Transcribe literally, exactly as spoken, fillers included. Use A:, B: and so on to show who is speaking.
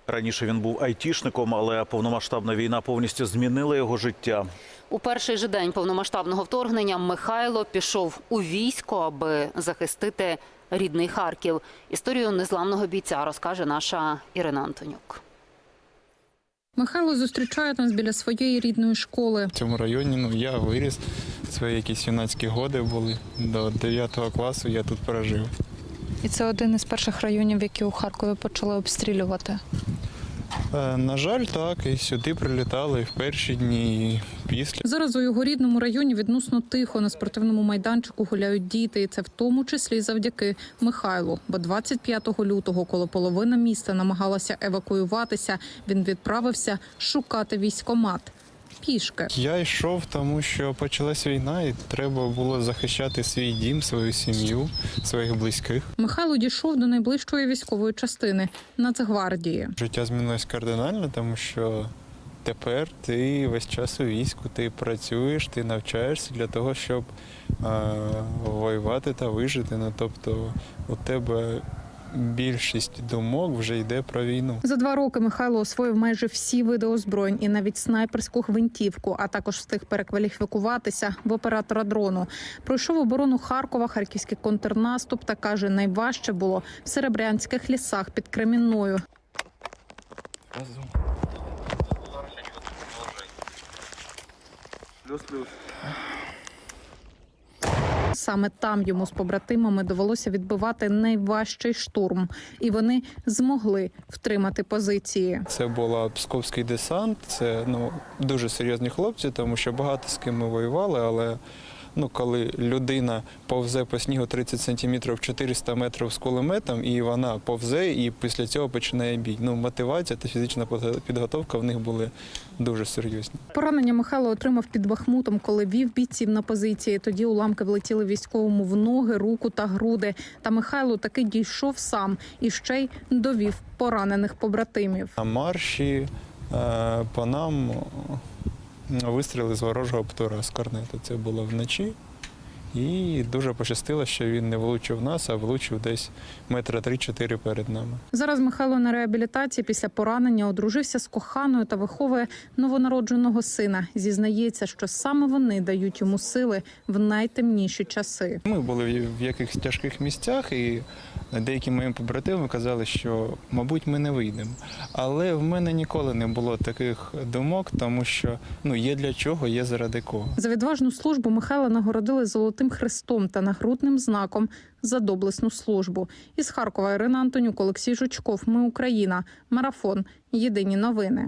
A: Раніше він був айтішником, але повномасштабна війна повністю змінила його життя.
B: У перший же день повномасштабного вторгнення Михайло пішов у військо, аби захистити рідний Харків. Історію незламного бійця розкаже наша Ірина Антонюк.
C: Михайло зустрічає нас біля своєї рідної школи.
D: В цьому районі ну, я виріс, свої якісь юнацькі годи були. До дев'ятого класу я тут прожив.
C: І це один із перших районів, які у Харкові почали обстрілювати.
D: Е, на жаль, так, і сюди прилітали і в перші дні, і після.
C: Зараз у його рідному районі відносно тихо. На спортивному майданчику гуляють діти. І це в тому числі завдяки Михайлу. Бо двадцять п'ятого лютого, коли половина міста намагалася евакуюватися, він відправився шукати військкомат. Пішки.
D: Я йшов, тому що почалась війна і треба було захищати свій дім, свою сім'ю, своїх близьких.
C: Михайло дійшов до найближчої військової частини – Нацгвардії.
D: Життя змінилось кардинально, тому що тепер ти весь час у війську, ти працюєш, ти навчаєшся для того, щоб е, воювати та вижити. Ну, тобто у тебе більшість думок вже йде про війну.
C: За два роки Михайло освоїв майже всі види озброєнь і навіть снайперську гвинтівку, а також встиг перекваліфікуватися в оператора дрону. Пройшов оборону Харкова, харківський контрнаступ та каже, найважче було в Серебрянських лісах під Кремінною.
D: Плюс-плюс.
C: Саме там йому з побратимами довелося відбивати найважчий штурм. І вони змогли втримати позиції.
D: Це був Псковський десант, це ну, дуже серйозні хлопці, тому що багато з ким ми воювали, але ну, коли людина повзе по снігу тридцять сантиметрів, чотириста метрів з кулеметом, і вона повзе, і після цього починає бій. Ну, мотивація та фізична підготовка в них були дуже серйозні.
C: Поранення Михайло отримав під Бахмутом, коли вів бійців на позиції. Тоді уламки влетіли військовому в ноги, руку та груди. Та Михайло таки дійшов сам і ще й довів поранених побратимів.
D: На марші е, по нам вистріли з ворожого птура, з корнету. Це було вночі. І дуже пощастило, що він не влучив нас, а влучив десь метра три-чотири перед нами.
C: Зараз Михайло на реабілітації після поранення одружився з коханою та виховує новонародженого сина. Зізнається, що саме вони дають йому сили в найтемніші часи.
D: Ми були в якихось тяжких місцях, і деякі мої побратими казали, що, мабуть, ми не вийдемо. Але в мене ніколи не було таких думок, тому що ну, є для чого, є заради кого.
C: За відважну службу Михайла нагородили Золотим Хрестом та нагрудним знаком за доблесну службу. Із Харкова Ірина Антонюк, Олексій Жучков. Ми Україна. Марафон. Єдині новини.